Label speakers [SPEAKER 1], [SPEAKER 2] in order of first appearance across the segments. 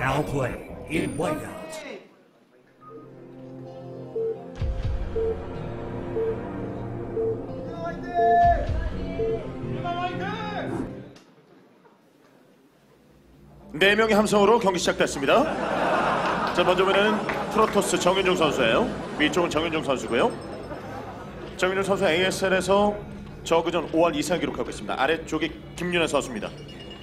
[SPEAKER 1] Now play in whiteout.
[SPEAKER 2] 네 명의 함성으로 경기 시작됐습니다. 자, 먼저 보는 프로토스 정윤종 선수예요. 위쪽은 정윤종 선수고요. 정윤종 선수 ASL에서 저그전 5할 이상 기록하고 있습니다. 아래쪽이 김윤환 선수입니다.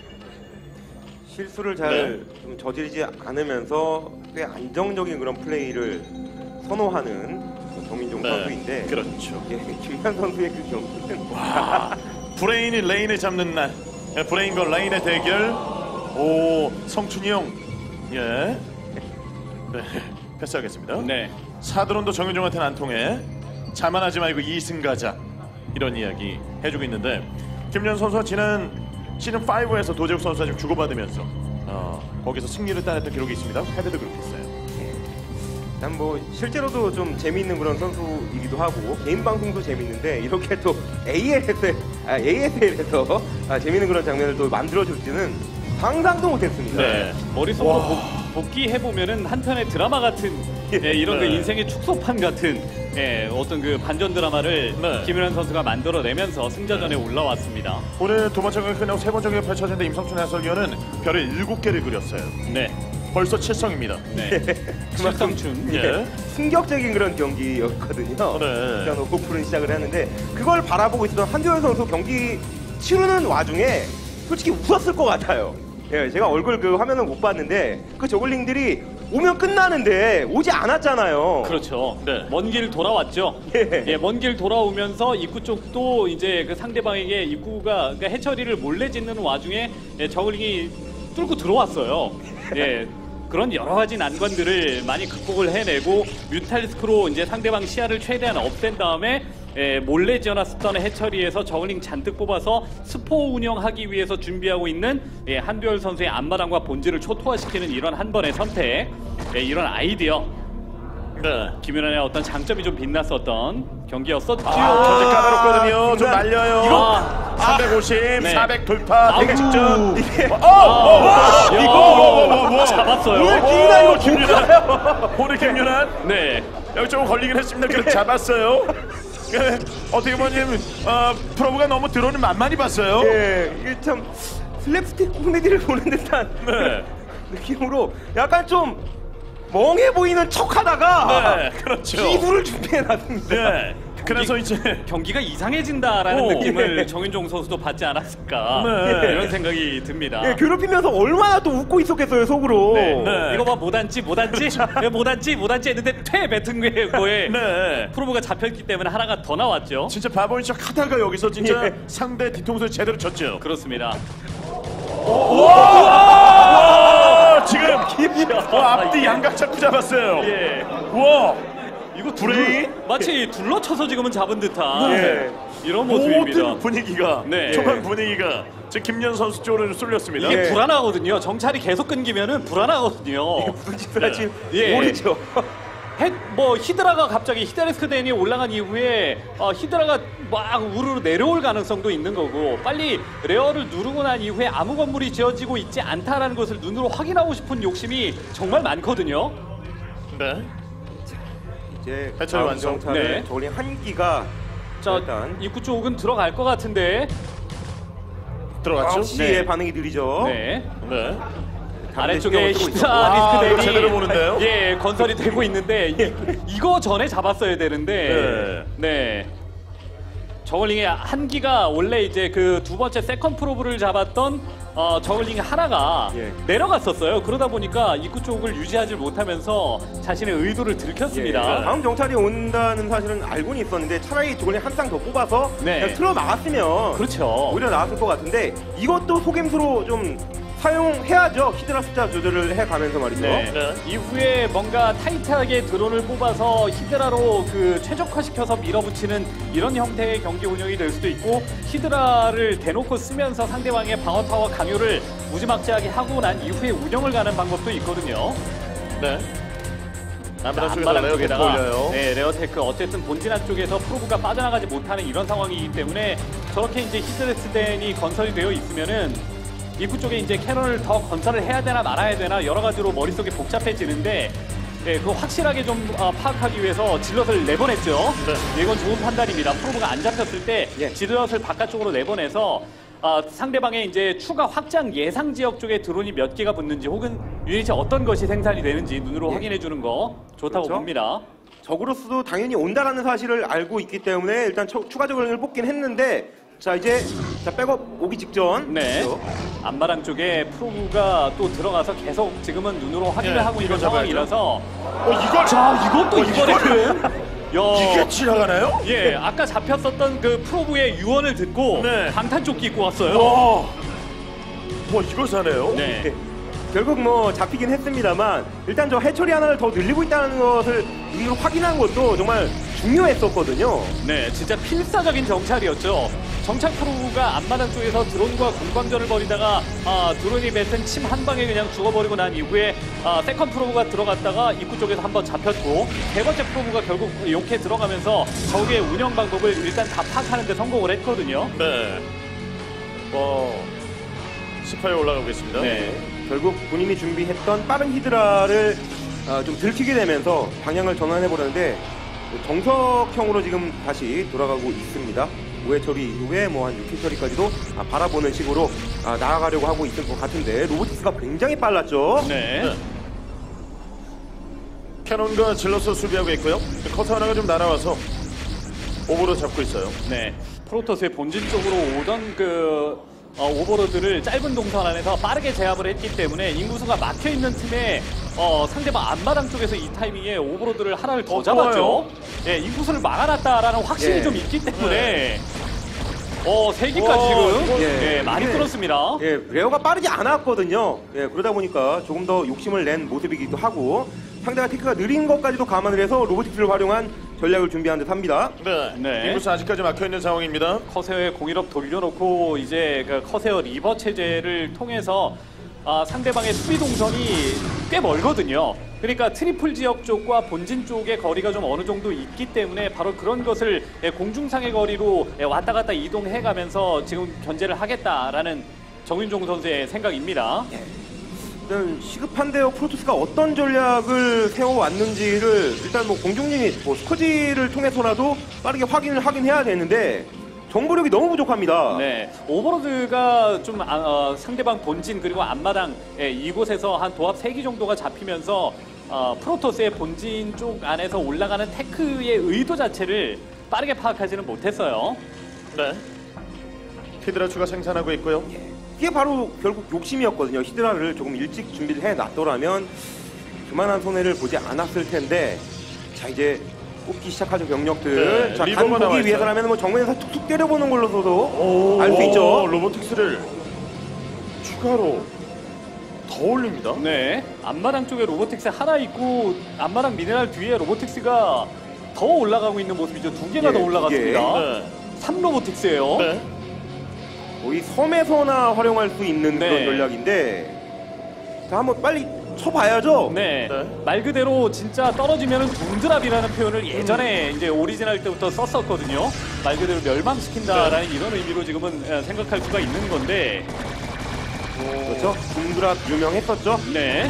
[SPEAKER 3] 실수를 잘 좀 저지르지 않으면서 꽤 안정적인 그런 플레이를 선호하는 정민종 선수인데,
[SPEAKER 2] 그렇죠.
[SPEAKER 3] 예, 김현 선수의 그 경기는
[SPEAKER 2] 브레인이 레인을 잡는 날, 브레인과 레인의 대결. 오, 성춘이 형, 예, 네, 패스하겠습니다.
[SPEAKER 4] 네.
[SPEAKER 2] 사드론도 정윤종한테는 안 통해. 자만하지 말고 2승 가자, 이런 이야기 해주고 있는데, 김윤환 선수가 지난 시즌 5에서 도재욱 선수와 좀 주고받으면서 거기서 승리를 따냈던 기록이 있습니다. 헤드도 그렇게 했어요.
[SPEAKER 3] 일단 뭐 실제로도 좀 재미있는 그런 선수이기도 하고 개인 방송도 재미있는데 이렇게 또 ASL에서 재미있는 그런 장면을 또 만들어줄지는 상상도 못했습니다.
[SPEAKER 2] 네.
[SPEAKER 4] 머릿속으로 복귀해보면은 한편의 드라마 같은 이런 그 인생의 축소판 같은 어떤 그 반전 드라마를 김윤환 선수가 만들어내면서 승자전에 올라왔습니다.
[SPEAKER 2] 오늘 두 번째 경기 끝나고 세 번째 경기 펼쳐지는데 임성춘 해설위원은 별을 7개를 그렸어요.
[SPEAKER 4] 네.
[SPEAKER 2] 벌써 7성입니다.
[SPEAKER 4] 네.
[SPEAKER 3] 그만큼
[SPEAKER 2] 예.
[SPEAKER 3] 충격적인 그런 경기였거든요.
[SPEAKER 2] 네.
[SPEAKER 3] 일단 오프는 시작을 했는데 그걸 바라보고 있었던 한두현 선수 경기 치르는 와중에 솔직히 웃었을 것 같아요. 예, 제가 얼굴 그 화면을 못 봤는데 그 저글링들이 오면 끝나는데 오지 않았잖아요.
[SPEAKER 4] 그렇죠.
[SPEAKER 2] 네.
[SPEAKER 4] 먼 길 돌아왔죠.
[SPEAKER 3] 예.
[SPEAKER 4] 먼 길 돌아오면서 입구 쪽도 이제 그 상대방에게 입구가 그러니까 해처리를 몰래 짓는 와중에 저글링이 뚫고 들어왔어요. 예. 그런 여러 가지 난관들을 많이 극복을 해내고 뮤탈리스크로 이제 상대방 시야를 최대한 없앤 다음에 몰래 지어놨었던 해처리에서 저글링 잔뜩 뽑아서 스포 운영하기 위해서 준비하고 있는 한두열 선수의 앞마당과 본질을 초토화시키는 이런 한 번의 선택, 이런 아이디어.
[SPEAKER 2] 네.
[SPEAKER 4] 김윤환의 어떤 장점이 좀 빛났었던 경기였었죠.
[SPEAKER 2] 전체 까다롭거든요. 좀 말려요.
[SPEAKER 4] 이거
[SPEAKER 2] 350,
[SPEAKER 4] 네.
[SPEAKER 2] 400 돌파, 되게 직전.
[SPEAKER 4] 이거 잡았어요.
[SPEAKER 3] 오늘 김윤환
[SPEAKER 2] 김윤환. 오늘 김윤환.
[SPEAKER 4] 네.
[SPEAKER 2] 여기 조금 걸리긴 했습니다. 그래도 잡았어요. 예, 어떻게 보면 프로브가 너무 드론을 만만히 봤어요.
[SPEAKER 3] 예, 이게 참 슬랩스틱 코미디를 보는 듯한
[SPEAKER 2] 네.
[SPEAKER 3] 느낌으로 약간 좀 멍해 보이는 척하다가
[SPEAKER 2] 네, 그렇죠.
[SPEAKER 3] 기부를 준비해놨습니다.
[SPEAKER 2] 네. 그래서 이제
[SPEAKER 4] 경기가 이상해진다라는
[SPEAKER 2] 오.
[SPEAKER 4] 느낌을 정윤종 선수도 받지 않았을까
[SPEAKER 2] 네.
[SPEAKER 4] 이런 생각이 듭니다.
[SPEAKER 3] 예, 괴롭히면서 얼마나 또 웃고 있었겠어요 속으로.
[SPEAKER 4] 네.
[SPEAKER 2] 네.
[SPEAKER 4] 이거 봐 못 앉지 했는데 퇴 뱉은 거에
[SPEAKER 2] 네.
[SPEAKER 4] 프로브가 잡혔기 때문에 하나가 더 나왔죠.
[SPEAKER 2] 진짜 바보인 척 하다가 여기서 진짜
[SPEAKER 3] 예.
[SPEAKER 2] 상대 뒤통수를 제대로 쳤죠.
[SPEAKER 4] 그렇습니다.
[SPEAKER 2] 지금 앞뒤 양각 잡고 잡았어요.
[SPEAKER 4] 예.
[SPEAKER 2] 와,
[SPEAKER 4] 이거
[SPEAKER 2] 브레인?
[SPEAKER 4] 마치 둘러쳐서 지금은 잡은 듯한
[SPEAKER 3] 네.
[SPEAKER 4] 이런 모습입니다.
[SPEAKER 2] 모든 분위기가
[SPEAKER 4] 네.
[SPEAKER 2] 초반 분위기가 지금 김연 선수 쪽으로 쏠렸습니다.
[SPEAKER 4] 이게
[SPEAKER 3] 예.
[SPEAKER 4] 불안하거든요. 정찰이 계속 끊기면은 불안하거든요.
[SPEAKER 3] 무슨 짓을 할지
[SPEAKER 4] 예.
[SPEAKER 3] 모르죠.
[SPEAKER 4] 히드라가 갑자기 히드레스크 댄이 올라간 이후에 히드라가 막 우르르 내려올 가능성도 있는 거고 빨리 레어를 누르고 난 이후에 아무 건물이 지어지고 있지 않다라는 것을 눈으로 확인하고 싶은 욕심이 정말 많거든요.
[SPEAKER 2] 네.
[SPEAKER 3] 이제
[SPEAKER 2] 해철 완성.
[SPEAKER 3] 완성차를
[SPEAKER 4] 네.
[SPEAKER 3] 저걸링 한 기가
[SPEAKER 4] 자,
[SPEAKER 3] 일단
[SPEAKER 4] 입구 쪽은 들어갈 것 같은데.
[SPEAKER 2] 들어갔죠?
[SPEAKER 3] 9시에
[SPEAKER 4] 네.
[SPEAKER 3] 반응이 느리죠.
[SPEAKER 4] 네.
[SPEAKER 2] 네.
[SPEAKER 4] 아래쪽에
[SPEAKER 3] 신경을 쓰고
[SPEAKER 4] 히드라
[SPEAKER 2] 이거
[SPEAKER 4] 리스크
[SPEAKER 2] 제대로
[SPEAKER 4] 댄이
[SPEAKER 2] 보는데요?
[SPEAKER 4] 예, 건설이 되고 있는데 이거 전에 잡았어야 되는데. 네. 저글링의 한기가 원래 이제 그 두 번째 세컨 프로브를 잡았던 저글링 하나가
[SPEAKER 3] 예.
[SPEAKER 4] 내려갔었어요. 그러다 보니까 입구 쪽을 유지하지 못하면서 자신의 의도를 들켰습니다.
[SPEAKER 3] 다음 정찰이 온다는 사실은 알고는 있었는데 차라리 저걸링 한 쌍 더 뽑아서
[SPEAKER 4] 네.
[SPEAKER 3] 그냥 틀어 막았으면
[SPEAKER 4] 그렇죠.
[SPEAKER 3] 오히려 나았을 것 같은데 이것도 속임수로 좀 사용해야죠. 히드라 숫자 조절을 해가면서 말이죠.
[SPEAKER 4] 네.
[SPEAKER 2] 네.
[SPEAKER 4] 이후에 뭔가 타이트하게 드론을 뽑아서 히드라로 그 최적화시켜서 밀어붙이는 이런 형태의 경기 운영이 될 수도 있고 히드라를 대놓고 쓰면서 상대방의 방어 타워 강요를 무지막지하게 하고 난 이후에 운영을 가는 방법도 있거든요.
[SPEAKER 2] 네. 안마당
[SPEAKER 4] 안마당
[SPEAKER 2] 쪽에서 레어테크
[SPEAKER 4] 쪽에다가
[SPEAKER 2] 올려요.
[SPEAKER 4] 네, 레어테크 어쨌든 본진한 쪽에서 프로브가 빠져나가지 못하는 이런 상황이기 때문에 저렇게 이제 히드레스덴이 건설이 되어 있으면은 입구 쪽에 이제 캐논을 더 건설을 해야 되나 말아야 되나 여러 가지로 머릿속이 복잡해지는데 예, 그거 확실하게 좀 파악하기 위해서 질럿을 내보냈죠. 네. 이건 좋은 판단입니다. 프로브가 안 잡혔을 때
[SPEAKER 3] 예.
[SPEAKER 4] 질럿을 바깥쪽으로 내보내서 상대방의 이제 추가 확장 예상 지역 쪽에 드론이 몇 개가 붙는지 혹은 유닛이 어떤 것이 생산이 되는지 눈으로
[SPEAKER 3] 예.
[SPEAKER 4] 확인해 주는 거 좋다고
[SPEAKER 3] 그렇죠.
[SPEAKER 4] 봅니다.
[SPEAKER 3] 적으로서도 당연히 온다라는 사실을 알고 있기 때문에 일단 추가 저글링을 뽑긴 했는데 자 이제 백업 오기 직전.
[SPEAKER 4] 네.
[SPEAKER 3] 그렇죠.
[SPEAKER 4] 앞마당 쪽에 프로브가 또 들어가서 계속 지금은 눈으로 확인을
[SPEAKER 2] 예,
[SPEAKER 4] 하고 있는
[SPEAKER 2] 이거 잡아야죠.
[SPEAKER 4] 상황이라서
[SPEAKER 2] 이걸
[SPEAKER 4] 자 이것도 이번에는
[SPEAKER 2] 이게 지나가나요?
[SPEAKER 4] 예 아까 잡혔었던 그 프로브의 유언을 듣고
[SPEAKER 2] 네.
[SPEAKER 4] 방탄조끼 입고 왔어요.
[SPEAKER 2] 와 이걸 사네요.
[SPEAKER 4] 네.
[SPEAKER 3] 네. 결국 뭐 잡히긴 했습니다만 일단 저 해처리 하나를 더 늘리고 있다는 것을 눈으로 확인한 것도 정말 중요했었거든요.
[SPEAKER 4] 네, 진짜 필사적인 정찰이었죠. 정찰 프로브가 앞마당 쪽에서 드론과 공방전을 벌이다가 드론이 뱉은 침 한 방에 그냥 죽어버리고 난 이후에 세컨 프로브가 들어갔다가 입구 쪽에서 한번 잡혔고 세 번째 프로브가 결국 용케 들어가면서 적의 운영 방법을 일단 다 파악하는 데 성공을 했거든요.
[SPEAKER 2] 네. 18에 올라가고 있습니다.
[SPEAKER 4] 네.
[SPEAKER 3] 결국 본인이 준비했던 빠른 히드라를 좀 들키게 되면서 방향을 전환해버렸는데 정석형으로 지금 다시 돌아가고 있습니다. 5회 처리 이후에 뭐 한 6회 처리까지도 바라보는 식으로 나아가려고 하고 있을 것 같은데 로보틱스가 굉장히 빨랐죠.
[SPEAKER 4] 네.
[SPEAKER 2] 네. 캐논과 질럿을 수비하고 있고요. 커터 하나가 좀 날아와서 오버로 잡고 있어요.
[SPEAKER 4] 네. 프로토스의 본진 쪽으로 오던 그 오버로드를 짧은 동선 안에서 빠르게 제압을 했기 때문에 인구수가 막혀있는 틈에 상대방 앞마당 쪽에서 이 타이밍에 오버로드를 하나를 더 잡았죠. 예, 인구수를 막아놨다라는 확신이
[SPEAKER 3] 예.
[SPEAKER 4] 좀 있기 때문에
[SPEAKER 2] 네.
[SPEAKER 4] 3기까지 지금
[SPEAKER 3] 예.
[SPEAKER 4] 예, 많이
[SPEAKER 3] 예.
[SPEAKER 4] 끌었습니다.
[SPEAKER 3] 예, 레어가 빠르지 않았거든요. 예, 그러다 보니까 조금 더 욕심을 낸 모습이기도 하고 상대가 테크가 느린 것까지도 감안을 해서 로보틱스를 활용한 전략을 준비한 듯 합니다.
[SPEAKER 2] 네.
[SPEAKER 4] 네.
[SPEAKER 2] 인구수 아직까지 막혀있는 상황입니다.
[SPEAKER 4] 커세어의 공일업 돌려놓고 이제 그 커세어 리버 체제를 통해서 상대방의 수비 동선이 꽤 멀거든요. 그러니까 트리플 지역 쪽과 본진 쪽의 거리가 좀 어느 정도 있기 때문에 바로 그런 것을 공중상의 거리로 왔다 갔다 이동해가면서 지금 견제를 하겠다라는 정윤종 선수의 생각입니다.
[SPEAKER 3] 일단 시급한데요. 프로토스가 어떤 전략을 세워왔는지를 일단 뭐 공중진이 뭐 스커지를 통해서라도 빠르게 확인을 하긴 해야 되는데 정보력이 너무 부족합니다.
[SPEAKER 4] 네, 오버로드가 좀 상대방 본진 그리고 앞마당 이곳에서 한 도합 3기 정도가 잡히면서 프로토스의 본진 쪽 안에서 올라가는 테크의 의도 자체를 빠르게 파악하지는 못했어요.
[SPEAKER 2] 네. 히드라 추가 생산하고 있고요.
[SPEAKER 3] 이게 바로 결국 욕심이었거든요. 히드라를 조금 일찍 준비를 해놨더라면 그만한 손해를 보지 않았을 텐데 자 이제 뽑기 시작하죠 병력들.
[SPEAKER 2] 네,
[SPEAKER 3] 자
[SPEAKER 2] 리버가
[SPEAKER 3] 간
[SPEAKER 2] 나와
[SPEAKER 3] 보기
[SPEAKER 2] 있어요.
[SPEAKER 3] 위해서라면 뭐 정면에서 툭툭 때려보는 걸로서도 알 수 있죠.
[SPEAKER 2] 로보틱스를 추가로 더 올립니다.
[SPEAKER 4] 네, 앞마당 쪽에 로보틱스 하나 있고 앞마당 미네랄 뒤에 로보틱스가 더 올라가고 있는 모습이죠. 2개가
[SPEAKER 3] 예,
[SPEAKER 4] 더 올라갔습니다.
[SPEAKER 2] 네.
[SPEAKER 4] 3로보틱스예요.
[SPEAKER 2] 네.
[SPEAKER 3] 거의 섬에서나 활용할 수 있는
[SPEAKER 4] 네.
[SPEAKER 3] 그런 전략인데 자 한번 빨리 쳐봐야죠.
[SPEAKER 4] 네.
[SPEAKER 2] 네.
[SPEAKER 4] 말 그대로 진짜 떨어지면은 둥드랍이라는 표현을 예전에 이제 오리지널 때부터 썼었거든요. 말 그대로 멸망시킨다라는 이런 의미로 지금은 생각할 수가 있는 건데.
[SPEAKER 3] 그렇죠. 둥드랍 유명했었죠.
[SPEAKER 4] 네.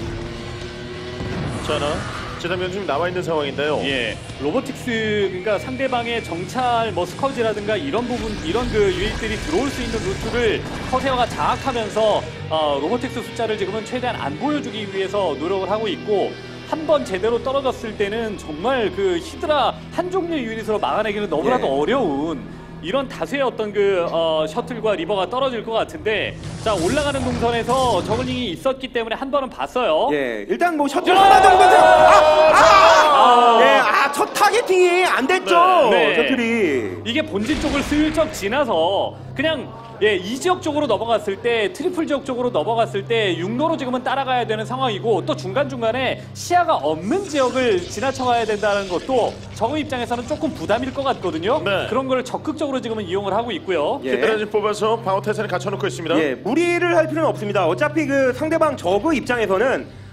[SPEAKER 2] 자, 지상면 지금 나와 있는 상황인데요.
[SPEAKER 4] 예. 로보틱스 그러니까 상대방의 정찰 뭐 스커지라든가 이런 부분 이런 그 유닛들이 들어올 수 있는 루트를 커세어가 장악하면서 로보틱스 숫자를 지금은 최대한 안 보여주기 위해서 노력을 하고 있고 한 번 제대로 떨어졌을 때는 정말 그 히드라 한 종류의 유닛으로 막아내기는 너무나도
[SPEAKER 3] 예.
[SPEAKER 4] 어려운 이런 다수의 어떤 그 셔틀과 리버가 떨어질 것 같은데 자 올라가는 동선에서 저글링이 있었기 때문에 한 번은 봤어요.
[SPEAKER 3] 예, 일단 뭐 셔틀 하나 정도는 첫 타겟팅이 안 됐죠.
[SPEAKER 4] 네.
[SPEAKER 3] 셔틀이.
[SPEAKER 4] 이게 본진 쪽을 슬쩍 지나서 그냥 이 지역 쪽으로 넘어갔을 때 트리플 지역 쪽으로 넘어갔을 때 육로로 지금은 따라가야 되는 상황이고 또 중간중간에 시야가 없는 지역을 지나쳐가야 된다는 것도 적의 입장에서는 조금 부담일 것 같거든요.
[SPEAKER 2] 네.
[SPEAKER 4] 그런 걸 적극적으로 지금은 이용을 하고 있고요.
[SPEAKER 3] 예.
[SPEAKER 2] 히드라 좀 뽑아서 방어 태세를 갖춰놓고 있습니다.
[SPEAKER 3] 예, 무리를 할 필요는 없습니다. 어차피 그 상대방 저그 입장에서는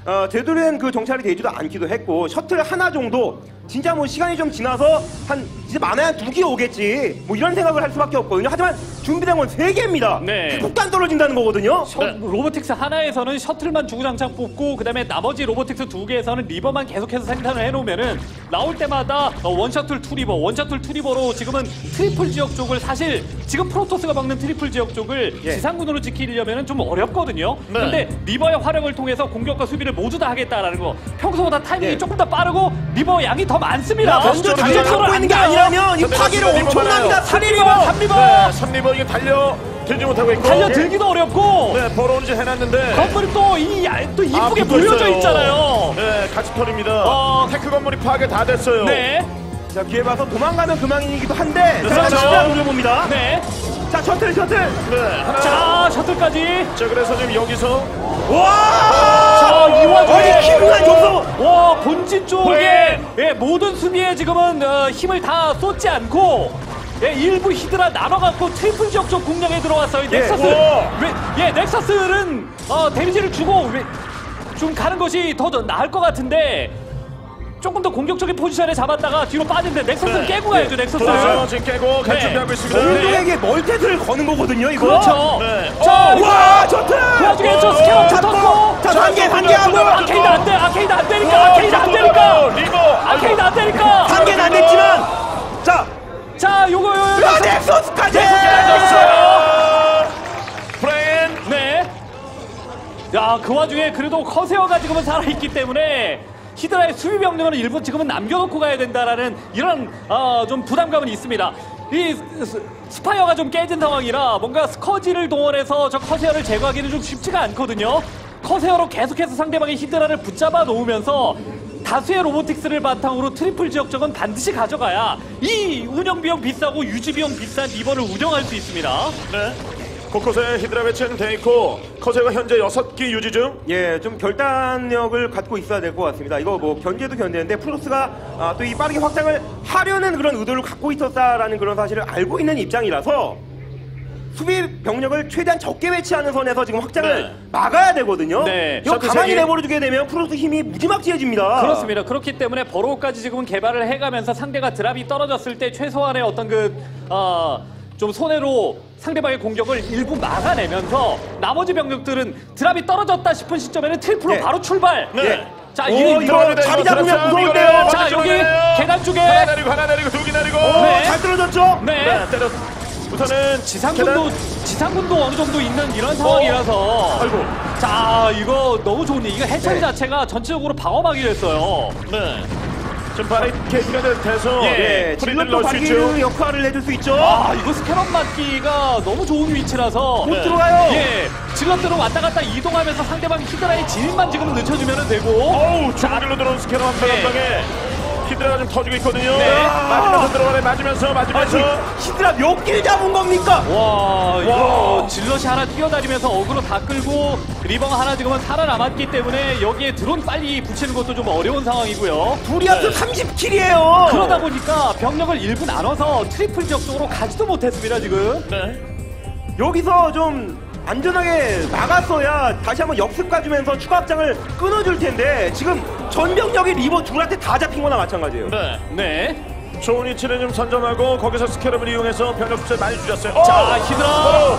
[SPEAKER 3] 되돌이는 그 정찰이 되지도 않기도 했고 셔틀 하나 정도 진짜 뭐 시간이 좀 지나서 한 이제 많아야 2기 오겠지 뭐 이런 생각을 할 수밖에 없거든요. 하지만 준비된 건 3개입니다.
[SPEAKER 4] 네.
[SPEAKER 3] 폭탄 떨어진다는 거거든요.
[SPEAKER 4] 로보틱스 하나에서는 셔틀만 주구장창 뽑고 그다음에 나머지 로보틱스 2개에서는 리버만 계속해서 생산을 해놓으면은 나올 때마다 원셔틀 투리버, 원셔틀 투리버로 지금은 트리플 지역 쪽을 사실 지금 프로토스가 막는 트리플 지역 쪽을
[SPEAKER 3] 예.
[SPEAKER 4] 지상군으로 지키려면은 좀 어렵거든요.
[SPEAKER 2] 네.
[SPEAKER 4] 근데 리버의 활용을 통해서 공격과 수비를 모두 다 하겠다라는 거. 평소보다 타이밍이
[SPEAKER 3] 예.
[SPEAKER 4] 조금 더 빠르고 리버 양이 더 많습니다.
[SPEAKER 3] 먼저 달려 잡고 있는 게 아니라면 이 파괴를 엄청납니다.
[SPEAKER 4] 3리버, 3리버.
[SPEAKER 2] 네, 3리버 이게 달려 들지 못하고 있고.
[SPEAKER 4] 달려들기도 어렵고
[SPEAKER 2] 네, 벌어온 지 해놨는데.
[SPEAKER 4] 건물이 또 이쁘게
[SPEAKER 2] 붙어
[SPEAKER 4] 몰려져
[SPEAKER 2] 있어요.
[SPEAKER 4] 있잖아요.
[SPEAKER 2] 네, 같이 털입니다. 테크 건물이 파괴 다 됐어요.
[SPEAKER 4] 네,
[SPEAKER 3] 자 기회 봐서 도망가면 그만이기도 한데 자
[SPEAKER 2] 그렇죠.
[SPEAKER 3] 진짜 노려봅니다.
[SPEAKER 4] 네.
[SPEAKER 3] 자 셔틀
[SPEAKER 2] 네, 하나.
[SPEAKER 4] 자, 셔틀까지.
[SPEAKER 2] 자, 그래서 지금 여기서.
[SPEAKER 3] 와!
[SPEAKER 4] 자, 이 와중에
[SPEAKER 3] 아니 키루가 줬어.
[SPEAKER 4] 와, 본진 쪽에
[SPEAKER 2] 네.
[SPEAKER 4] 예, 모든 수비에 지금은 힘을 다 쏟지 않고 예, 일부 히드라 나눠갖고 트리플 지역 쪽 공략에 들어왔어요. 넥서스.
[SPEAKER 2] 우와.
[SPEAKER 4] 넥서스는 데미지를 주고 좀 가는 것이 더 나을 것 같은데 조금 더 공격적인 포지션에 잡았다가 뒤로 빠진데 넥서스는
[SPEAKER 2] 네.
[SPEAKER 4] 깨고 가야죠. 넥서스.
[SPEAKER 2] 그렇죠. 지금 깨고 갈
[SPEAKER 4] 네.
[SPEAKER 2] 준비하고 있습니다.
[SPEAKER 3] 공동에게 멀티를 거는 거거든요 이거.
[SPEAKER 4] 그렇죠.
[SPEAKER 2] 네.
[SPEAKER 4] 자,
[SPEAKER 3] 와 셔틀.
[SPEAKER 4] 그 와중에 저 스캐너 붙었고
[SPEAKER 3] 자 단계하고
[SPEAKER 4] 아케이드 안 돼. 아케이드 안 되니까. 아케이드 안 되니까.
[SPEAKER 2] 리버.
[SPEAKER 4] 아케이드 안 되니까.
[SPEAKER 3] 단계는 안 됐지만
[SPEAKER 4] 자, 요거
[SPEAKER 3] 넥서스까지.
[SPEAKER 2] 브레인.
[SPEAKER 4] 네. 야, 그 와중에 그래도 커세어가 지금은 살아있기 때문에 히드라의 수비 병력은 일부 지금은 남겨놓고 가야 된다라는 이런 좀 부담감은 있습니다. 이 스파이어가 좀 깨진 상황이라 뭔가 스커지를 동원해서 저 커세어를 제거하기는 좀 쉽지가 않거든요. 커세어로 계속해서 상대방의 히드라를 붙잡아 놓으면서 다수의 로보틱스를 바탕으로 트리플 지역 쪽은 반드시 가져가야 이 운영 비용 비싸고 유지 비용 비싼 리버를 운영할 수 있습니다.
[SPEAKER 2] 네. 곳곳에 히드라 배치는 돼 있고 커세가 현재 6기 유지 중.
[SPEAKER 3] 예, 좀 결단력을 갖고 있어야 될 것 같습니다. 이거 뭐 견제도 견제인데 프로토스가 또 이 빠르게 확장을 하려는 그런 의도를 갖고 있었다라는 그런 사실을 알고 있는 입장이라서 수비 병력을 최대한 적게 배치하는 선에서 지금 확장을
[SPEAKER 2] 네.
[SPEAKER 3] 막아야 되거든요.
[SPEAKER 4] 네.
[SPEAKER 3] 이거
[SPEAKER 2] 셔틀
[SPEAKER 3] 가만히
[SPEAKER 2] 세 개.
[SPEAKER 3] 내버려두게 되면 프로토스 힘이 무지막지해집니다.
[SPEAKER 4] 그렇습니다. 그렇기 때문에 버로우까지 지금은 개발을 해가면서 상대가 드랍이 떨어졌을 때 최소한의 어떤 좀 손해로 상대방의 공격을 일부 막아내면서 나머지 병력들은 드랍이 떨어졌다 싶은 시점에는 트리플로
[SPEAKER 3] 네.
[SPEAKER 4] 바로 출발.
[SPEAKER 2] 네.
[SPEAKER 4] 자,
[SPEAKER 3] 이거 자리 잡으면 무서운데요.
[SPEAKER 4] 자, 여기 계단 쪽에
[SPEAKER 2] 하나 내리고 하나 내리고 2기 내리고.
[SPEAKER 4] 네.
[SPEAKER 3] 잘 떨어졌죠?
[SPEAKER 4] 네.
[SPEAKER 2] 네, 때려. 우선은
[SPEAKER 4] 지상군도 어느 정도 있는 이런 상황이라서.
[SPEAKER 2] 아이고.
[SPEAKER 4] 자, 이거 너무 좋은 이거 해처리
[SPEAKER 3] 네.
[SPEAKER 4] 자체가 전체적으로 방어막이 됐어요.
[SPEAKER 2] 네. 지금 바리케이트가 돼서
[SPEAKER 3] 예,
[SPEAKER 2] 프리드를
[SPEAKER 3] 질럿도
[SPEAKER 2] 넣을 수
[SPEAKER 3] 발기류
[SPEAKER 2] 있죠.
[SPEAKER 3] 역할을 해줄 수 있죠.
[SPEAKER 4] 아, 이거 스캐럿 맞기가 너무 좋은 위치라서
[SPEAKER 3] 못 들어가요.
[SPEAKER 4] 예, 질럿들은 왔다 갔다 이동하면서 상대방 히드라의 진입만 지금 늦춰주면 되고.
[SPEAKER 2] 어우, 중앙길로 들어온 스캐너 한
[SPEAKER 4] 네.
[SPEAKER 2] 방에 히드라가 좀 터지고 있거든요.
[SPEAKER 4] 네.
[SPEAKER 2] 맞으면서 들어가네. 맞으면서.
[SPEAKER 3] 히드라 몇 길 잡은 겁니까?
[SPEAKER 4] 와, 이거
[SPEAKER 2] 와.
[SPEAKER 4] 질럿이 하나 뛰어다니면서 어그로 다 끌고 리버가 하나 지금은 살아남았기 때문에 여기에 드론 빨리 붙이는 것도 좀 어려운 상황이고요.
[SPEAKER 3] 둘이 합쳐 30킬이에요.
[SPEAKER 4] 그러다 보니까 병력을 일부 나눠서 트리플 지역 쪽으로 가지도 못했습니다 지금.
[SPEAKER 2] 네.
[SPEAKER 3] 여기서 좀 안전하게 막았어야 다시 한번 역습 가주면서 추가 확장을 끊어줄 텐데 지금 전병력이 리버 둘한테 다 잡힌 거나 마찬가지예요.
[SPEAKER 2] 네.
[SPEAKER 4] 네.
[SPEAKER 2] 좋은 위치를 좀 선점하고 거기서 스캐럽을 이용해서 병력 숫자 많이 줄였어요.
[SPEAKER 4] 자, 히드라.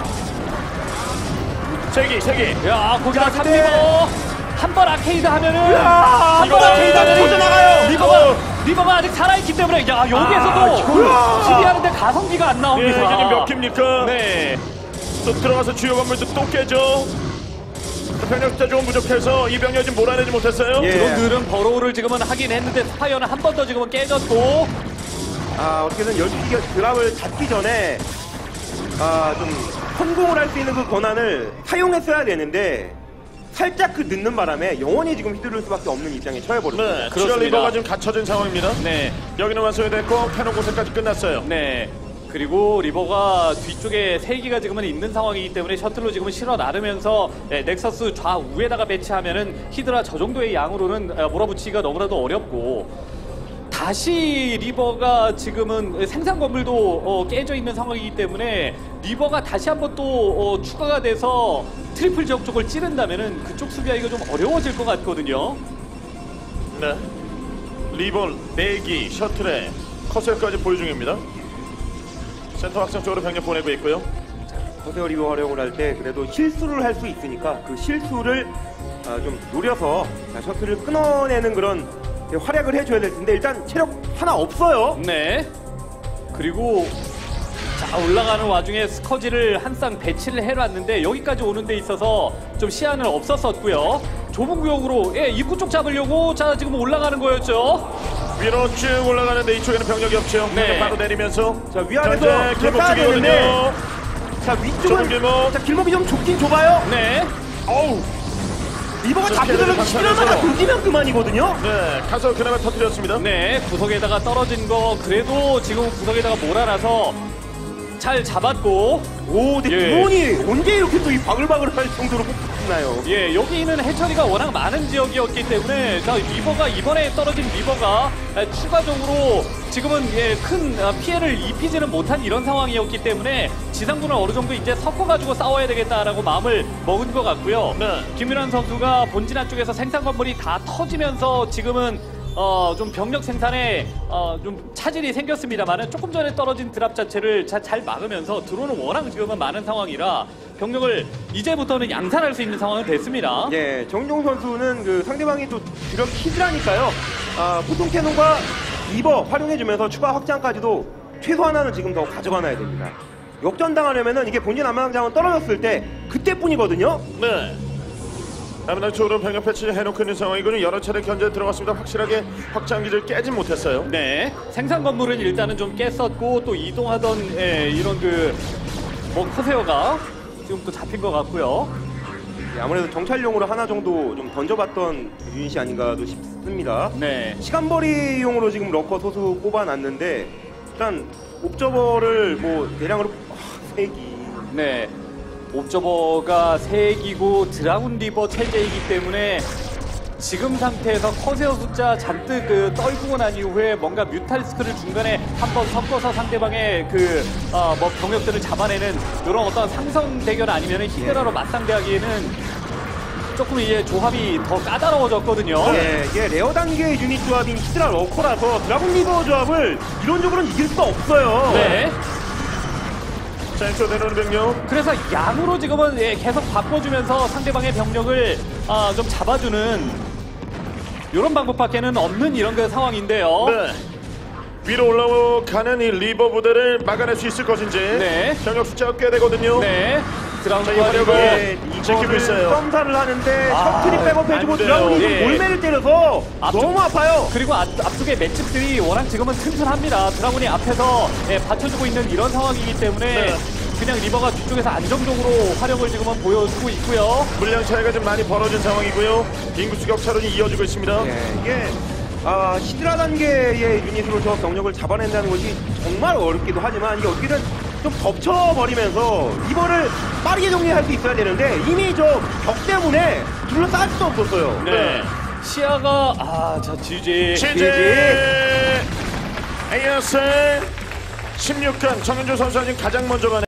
[SPEAKER 2] 세기.
[SPEAKER 4] 야, 거기다
[SPEAKER 3] 자, 근데-
[SPEAKER 4] 3리버. 한 번 아케이드 하면은
[SPEAKER 3] 한 번
[SPEAKER 2] 이거-
[SPEAKER 3] 아케이드 하면 터져나가요.
[SPEAKER 4] 리버가 아직 살아있기 때문에 야, 여기에서도
[SPEAKER 3] 아,
[SPEAKER 4] 수비하는데 가성비가 안
[SPEAKER 2] 예,
[SPEAKER 4] 나옵니다.
[SPEAKER 2] 이게 지금 몇 깁니까?
[SPEAKER 4] 네.
[SPEAKER 2] 또 들어가서 주요 건물도 또 깨죠. 병력 숫자 조금 부족해서 이 병력 지금 몰아내지 못했어요.
[SPEAKER 3] 예.
[SPEAKER 4] 드론들은 버로우를 지금은 하긴 했는데 스파이어는 한 번 더 지금은 깨졌고.
[SPEAKER 3] 어떻게든 12기 드랍을 잡기 전에 좀 성공을 할 수 있는 그 권한을 사용했어야 되는데 살짝 그 늦는 바람에 영원히 지금 휘두를 수밖에 없는 입장에 처해버렸습니다.
[SPEAKER 2] 네,
[SPEAKER 4] 그렇습니다.
[SPEAKER 2] 추가 리버가 지금 갇혀진 상황입니다.
[SPEAKER 4] 네.
[SPEAKER 2] 여기는 완성됐고 캐논 고세까지 끝났어요.
[SPEAKER 4] 네. 그리고 리버가 뒤쪽에 3기가 지금은 있는 상황이기 때문에 셔틀로 지금은 실어 나르면서 넥서스 좌우에다가 배치하면은 히드라 저 정도의 양으로는 몰아붙이기가 너무나도 어렵고 다시 리버가 지금은 생산 건물도 깨져 있는 상황이기 때문에 리버가 다시 한번 또 추가가 돼서 트리플 지역 쪽을 찌른다면은 그쪽 수비하기가 좀 어려워질 것 같거든요.
[SPEAKER 2] 네. 리볼, 내기, 셔틀에 커셀까지 보유 중입니다. 센터 확장 쪽으로 병력 보내고 있고요.
[SPEAKER 3] 커세어 리버 활용을 할 때 그래도 실수를 할 수 있으니까 그 실수를 좀 노려서 셔틀을 끊어내는 그런 활약을 해줘야 될 텐데 일단 체력 하나 없어요.
[SPEAKER 4] 네. 그리고 자 올라가는 와중에 스커지를 한 쌍 배치를 해놨는데 여기까지 오는 데 있어서 좀 시야는 없었었고요. 좁은 구역으로 입구 쪽 잡으려고 자 지금 올라가는 거였죠.
[SPEAKER 2] 위로 쭉 올라가는데 이쪽에는 병력이 없죠.
[SPEAKER 4] 네.
[SPEAKER 2] 병력 바로 내리면서
[SPEAKER 3] 자 위아래서
[SPEAKER 2] 길목
[SPEAKER 3] 쏴야
[SPEAKER 2] 쪽이거든요.
[SPEAKER 3] 되는데 자
[SPEAKER 2] 좁은
[SPEAKER 3] 위쪽은
[SPEAKER 2] 길목.
[SPEAKER 3] 자 길목이 좀 좁긴 좁아요.
[SPEAKER 4] 네.
[SPEAKER 2] 어우.
[SPEAKER 3] 리버가
[SPEAKER 2] 좀
[SPEAKER 3] 잡히려면
[SPEAKER 2] 피해를
[SPEAKER 3] 11월마다
[SPEAKER 2] 방치하면서.
[SPEAKER 3] 돌리면 그만이거든요.
[SPEAKER 2] 네. 가서 그나마 터뜨렸습니다.
[SPEAKER 4] 네, 구석에다가 떨어진 거 그래도 지금 구석에다가 몰아놔서 잘 잡았고
[SPEAKER 3] 오, 근데
[SPEAKER 4] 예.
[SPEAKER 3] 드론이 언제 이렇게 또 이 바글바글할 정도로 뽑나요?
[SPEAKER 4] 예, 여기는 해처리가 워낙 많은 지역이었기 때문에 자, 리버가 이번에 떨어진 리버가 추가적으로 지금은 큰 피해를 입히지는 못한 이런 상황이었기 때문에 지상군을 어느 정도 이제 섞어가지고 싸워야 되겠다라고 마음을 먹은 것 같고요.
[SPEAKER 2] 네.
[SPEAKER 4] 김윤환 선수가 본진 안쪽에서 생산 건물이 다 터지면서 지금은 좀 병력 생산에 좀 차질이 생겼습니다만은 조금 전에 떨어진 드랍 자체를 잘 막으면서 드론은 워낙 지금은 많은 상황이라 병력을 이제부터는 양산할 수 있는 상황은 됐습니다.
[SPEAKER 3] 예, 정종 선수는 그 상대방이 또 주력 키즈라니까요. 보통 캐논과 리버 활용해주면서 추가 확장까지도 최소 하나는 지금 더 가져가놔야 됩니다. 역전당하려면은 이게 본진 안마장은 떨어졌을 때 그때뿐이거든요.
[SPEAKER 2] 네. 아무나 쪽으로 병력 배치 해놓고 있는 상황이군요. 여러 차례 견제 들어갔습니다. 확실하게 확장 기지를 깨진 못했어요.
[SPEAKER 4] 네, 생산 건물은 일단은 좀 깼었고 또 이동하던 이런 커세어가 지금 또 잡힌 것 같고요.
[SPEAKER 3] 예, 아무래도 정찰용으로 하나 정도 좀 던져봤던 유닛이 아닌가도 싶습니다.
[SPEAKER 4] 네,
[SPEAKER 3] 시간벌이용으로 지금 러커 소수 꼽아놨는데 일단 옵저버를 뭐 대량으로 3기.
[SPEAKER 4] 네. 옵저버가 3기고 드라군 리버 체제이기 때문에 지금 상태에서 커세어 숫자 잔뜩 떨구고 난 이후에 뭔가 뮤탈스크를 중간에 한번 섞어서 상대방의 뭐 병력들을 잡아내는 이런 어떤 상성 대결 아니면 히드라로 맞상대하기에는 조금 이제 조합이 더 까다로워졌거든요.
[SPEAKER 3] 예, 이게 레어 단계의 유닛 조합인 히드라 러커라서 드라군 리버 조합을 이론적으로는 이길 수가 없어요.
[SPEAKER 4] 네.
[SPEAKER 2] 자, 이쪽 내려오는 병력.
[SPEAKER 4] 그래서 양으로 지금은 계속 바꿔주면서 상대방의 병력을 좀 잡아주는 이런 방법밖에는 없는 이런 상황인데요.
[SPEAKER 2] 네. 위로 올라가는 이 리버 부대를 막아낼 수 있을 것인지.
[SPEAKER 4] 네.
[SPEAKER 2] 병력 숫자가 꽤 되거든요.
[SPEAKER 4] 네.
[SPEAKER 2] 자, 이
[SPEAKER 4] 드라운드가
[SPEAKER 2] 화력을
[SPEAKER 3] 예,
[SPEAKER 2] 지키고
[SPEAKER 3] 이거를
[SPEAKER 2] 있어요.
[SPEAKER 3] 썸사를 하는데 셔틀이 백업해주고
[SPEAKER 2] 안 돼요.
[SPEAKER 3] 드라군이
[SPEAKER 4] 예.
[SPEAKER 3] 몰매를 때려서 너무 아파요.
[SPEAKER 4] 그리고 앞쪽에 맷집들이 워낙 지금은 튼튼합니다. 드라군이 앞에서 받쳐주고 있는 이런 상황이기 때문에
[SPEAKER 2] 네.
[SPEAKER 4] 그냥 리버가 뒤쪽에서 안정적으로 활용을 지금은 보여주고 있고요.
[SPEAKER 2] 물량 차이가 좀 많이 벌어진 상황이고요. 인구수 격차론이 이어지고 있습니다.
[SPEAKER 3] 예, 이게 히드라 단계의 유닛으로 저 병력을 잡아낸다는 것이 정말 어렵기도 하지만 이게 어떻게든 좀 덮쳐버리면서 리버를 빠르게 정리할 수 있어야 되는데 이미 저 벽 때문에 둘러싸일 수도 없었어요.
[SPEAKER 2] 네.
[SPEAKER 4] 시야가 자 GG
[SPEAKER 2] 취재 AS 16강 정현주 선수가 지금 가장 먼저 가는